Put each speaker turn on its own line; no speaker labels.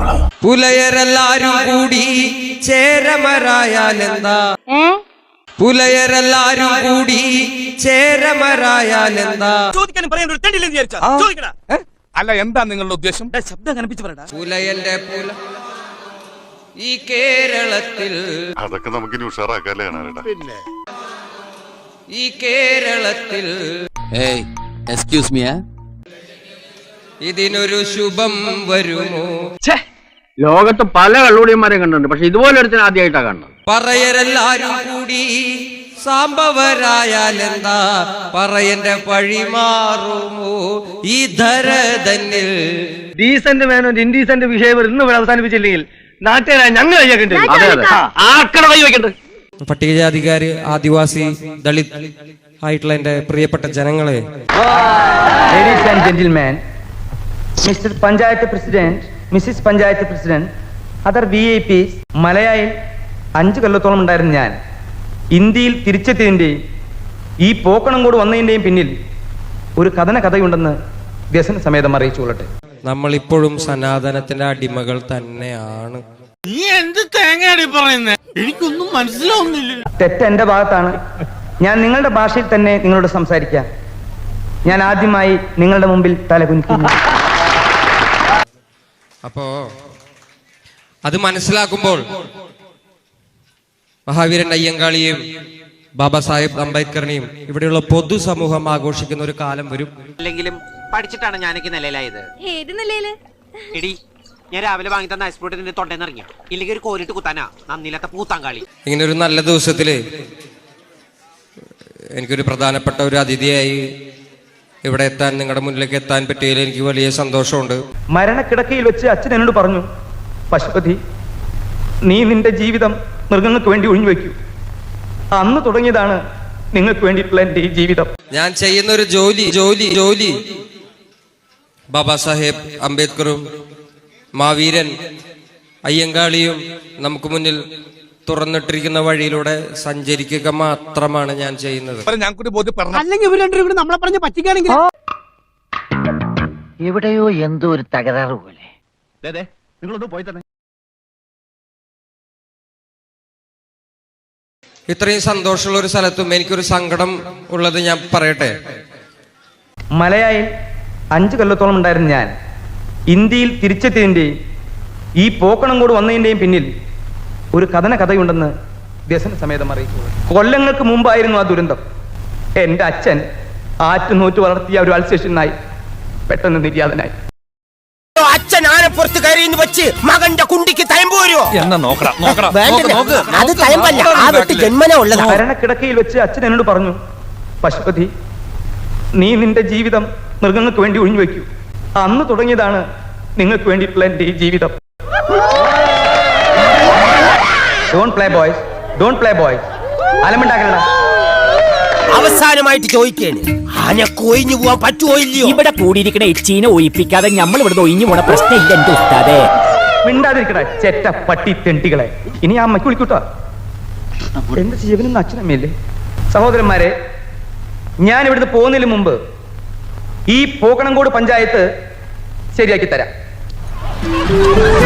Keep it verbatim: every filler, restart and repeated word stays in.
നമ്മള്.
പുലയരെല്ലാരും കൂടി ചേരമരായാലെന്താ? പുലയരെല്ലാരും കൂടി ചേരമരായാലെന്താ?
അല്ല, എന്താ നിങ്ങളുടെ ഉദ്ദേശം?
ശബ്ദം കനപ്പിച്ച് പറയടാ.
പുലയന്റെ പുല ഈ കേരളത്തിൽ,
അതൊക്കെ നമുക്ക് ഉഷാറാക്കാല്ലേ. പിന്നെ
ഈ കേരളത്തിൽ
എക്സ്ക്യൂസ് മീ,
ഇതിനൊരു ശുഭം വരുമോ?
ലോകത്ത് പല കള്ളുടിയന്മാരെ കണ്ടിട്ടുണ്ട്, പക്ഷെ ഇതുപോലെ ഒരുത്തിന് ആദ്യമായിട്ടാ കാണുന്നത്.
പറയരെല്ലാരും കൂടി സാമ്പവരായാലെന്താ? പറയന്റെ പഴി മാറുമോ ഈ ധര തന്നിൽ?
ഡീസന്റ് മാനോ ഇൻഡീസന്റ് വിഷയം ഇന്ന് ഇവിടെ അവസാനിപ്പിച്ചില്ലെങ്കിൽ നാട്ടുകാരായ ഞങ്ങൾ ആർക്കട കൈ വെക്കണ്ടത്?
പട്ടികജാതിക്കാര്, ആദിവാസി, ദളിത് ആയിട്ടുള്ള എന്റെ പ്രിയപ്പെട്ട ജനങ്ങളെ,
ladies and gentleman, mister panchayat president, missis panchayat president, other V I Ps, മലയായിൽ അഞ്ചു കൊല്ലത്തോളം ഉണ്ടായിരുന്ന ഞാൻ ഇന്ത്യയിൽ തിരിച്ചെത്തിയതിൻ്റെയും ഈ പോക്കണംകോട് വന്നതിൻ്റെയും പിന്നിൽ ഒരു കഥന കഥയുണ്ടെന്ന് വ്യസന സമേതം അറിയിച്ചു കൊള്ളട്ടെ.
നമ്മൾ ഇപ്പോഴും സനാതനത്തിന്റെ അടിമകൾ തന്നെയാണ്.
നീ എന്ത് തേങ്ങയാടി പറയുന്നേ? എനിക്കൊന്നും മനസ്സിലാവുന്നില്ല.
തെറ്റ് എന്റെ ഭാഗത്താണ്. ഞാൻ നിങ്ങളുടെ ഭാഷയിൽ തന്നെ നിങ്ങളോട് സംസാരിക്കാം. ഞാൻ ആദ്യമായി നിങ്ങളുടെ മുമ്പിൽ തലകുനിക്കുന്നു.
അപ്പോ അത് മനസ്സിലാക്കുമ്പോൾ മഹാവീരൻ അയ്യങ്കാളിയെയും ബാബാ സാഹിബ് അംബേദ്കറിനെയും ഇവിടെയുള്ള പൊതുസമൂഹം ആഘോഷിക്കുന്ന ഒരു കാലം വരും.
അല്ലെങ്കിലും പഠിച്ചിട്ടാണ് ഞാനൊക്കെ നിലയിലായത്.
ഏത് നിലയില്?
എടി, ഞാൻ രാവിലെ വാങ്ങി തന്ന ഐസ്പോർട്ട് നിന്റെ തൊണ്ടേന്ന് ഇറങ്ങിയ ഇല്ലെങ്കിൽ ഒരു കോലിട്ട് കുത്താനാ നന്ദിയില്ലാത്ത പൂത്താങ്കാളി.
ഇങ്ങനെ ഒരു നല്ല ദിവസത്തില് എനിക്കൊരു പ്രധാനപ്പെട്ട ഒരു അതിഥിയായി ഇവിടെ എത്താൻ, നിങ്ങളുടെ മുന്നിലേക്ക് എത്താൻ പറ്റിയതിൽ എനിക്ക് വലിയ സന്തോഷമുണ്ട്.
മരണക്കിടക്കയിൽ വെച്ച് അച്ഛൻ എന്നോട് പറഞ്ഞു, പശുപതി, നീ നിന്റെ ജീവിതം മൃഗങ്ങൾക്ക് വേണ്ടി ഒഴിഞ്ഞു വെക്കൂ. അന്ന് തുടങ്ങിയതാണ് നിങ്ങൾക്ക് വേണ്ടിയിട്ടുള്ള എന്റെ ഈ ജീവിതം.
ഞാൻ ചെയ്യുന്ന ഒരു ജോലി ജോലി ജോലി ബാബാ സാഹേബ് അംബേദ്കറും മാവീരൻ അയ്യങ്കാളിയും നമുക്ക് മുന്നിൽ തുറന്നിട്ടിരിക്കുന്ന വഴിയിലൂടെ സഞ്ചരിക്കുക മാത്രമാണ് ഞാൻ ചെയ്യുന്നത്.
അല്ലെങ്കിൽ ഇവർ രണ്ടുപേരും കൂടി നമ്മളെ പറഞ്ഞ് പറ്റിക്കാണെങ്കിൽ
എവിടെയോ എന്തോ ഒരു തകരാറ് പോലെ. നിങ്ങളൊന്ന് പോയി തന്നെ.
ഇത്രയും സന്തോഷമുള്ള ഒരു സ്ഥലത്തും എനിക്കൊരു സങ്കടം ഉള്ളത് ഞാൻ പറയട്ടെ.
മലയായിൽ അഞ്ചു കൊല്ലത്തോളം ഉണ്ടായിരുന്ന ഞാൻ ഇന്ത്യയിൽ തിരിച്ചെത്തിയതിൻ്റെയും ഈ പോക്കണംകോട് വന്നതിൻ്റെയും പിന്നിൽ ഒരു കഥന കഥയുണ്ടെന്ന് വ്യസന സമേതം അറിയിച്ചു. കൊല്ലങ്ങൾക്ക് മുമ്പായിരുന്നു ആ ദുരന്തം. എൻ്റെ അച്ഛൻ ആറ്റുനൂറ്റ് വളർത്തിയ ഒരു അൾസേഷനായി പെട്ടെന്ന് നിര്യാതനായി.
അച്ഛൻ ആനപ്പുറത്ത് കയറിയെന്ന് വെച്ച് മകന്റെ കുണ്ടിക്ക് തയമ്പോരോ
എന്നാ നോക്കടാ.
മരണക്കിടക്കയിൽ വെച്ച് അച്ഛൻ എന്നോട് പറഞ്ഞു, പശുപതി, നീ നിന്റെ ജീവിതം മൃഗങ്ങൾക്ക് വേണ്ടി ഒഴിഞ്ഞു വെക്കൂ. അന്ന് തുടങ്ങിയതാണ് നിങ്ങൾക്ക് വേണ്ടിയിട്ടുള്ള എന്റെ ഈ ജീവിതം. Don't play boys, don't play boys. അലമുണ്ടാക്കണ.
അവസാനമായിട്ട് ചോദിക്കേണ്, ആനക്ക് ഒഴിഞ്ഞു പോവാൻ പറ്റുമോ ഇല്ലയോ?
ഇവിടെ കൂടിയിരിക്കണ എച്ചീനെ ഒഴിപ്പിക്കാതെ നമ്മൾ ഇവിടെ ഒഴിഞ്ഞു പോണ പ്രശ്നമില്ല എന്റെ ഉസ്താദേ.
മിണ്ടാതിരിക്കട ചെറ്റ പട്ടി തെണ്ടികളെ. ഇനി ആ അമ്മയ്ക്ക് വിളിക്കൂട്ടോ. എന്റെ ജീവനൊന്നും അച്ഛനമ്മയില്ലേ? സഹോദരന്മാരെ, ഞാൻ ഇവിടുന്ന് പോകുന്നതിന് മുമ്പ് ഈ പോക്കണംകോട് പഞ്ചായത്ത് ശരിയാക്കി തരാം.